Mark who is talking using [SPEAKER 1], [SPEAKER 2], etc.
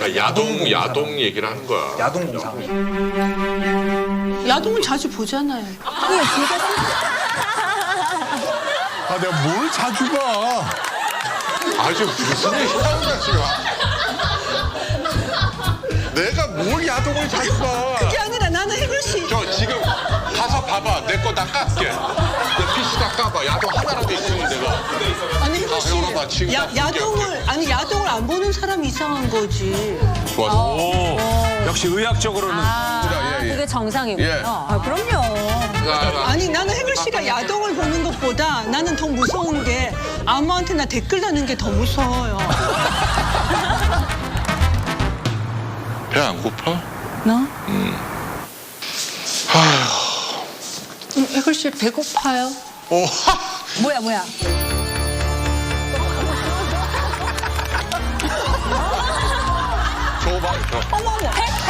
[SPEAKER 1] 야동 얘기를 하는 거야.
[SPEAKER 2] 야동공상.
[SPEAKER 3] 야동을 자주 보잖아요.
[SPEAKER 4] 아, 내가 뭘 자주 봐.
[SPEAKER 1] 아주 무슨 얘기 하는 거야 지금. 내가 뭘 야동을 자주 봐.
[SPEAKER 3] 그게 아니라 나는 혜글 씨.
[SPEAKER 1] 저 지금 가서 봐봐. 내 거 다 깎게. 내 PC 다 까봐. 야동 하나라도 있으면 내가.
[SPEAKER 3] 아니 혜글 씨.
[SPEAKER 1] 열어봐, 지금 다
[SPEAKER 3] 야동을 안 보는 사람이 이상한 거지.
[SPEAKER 1] 좋았어.
[SPEAKER 5] 역시 의학적으로는
[SPEAKER 6] 그게 정상이군요.
[SPEAKER 1] 예.
[SPEAKER 6] 그럼요.
[SPEAKER 3] 아니 나는 혜글 씨가 야동을 보는 것보다 나는 더 무서운 게 아무한테나 댓글 다는 게 더 무서워요.
[SPEAKER 1] 배 안 고파?
[SPEAKER 3] 나? 혜글 씨 배고파요?
[SPEAKER 1] 오.
[SPEAKER 6] 뭐야.
[SPEAKER 1] 저거 봐. 저.
[SPEAKER 6] 어머.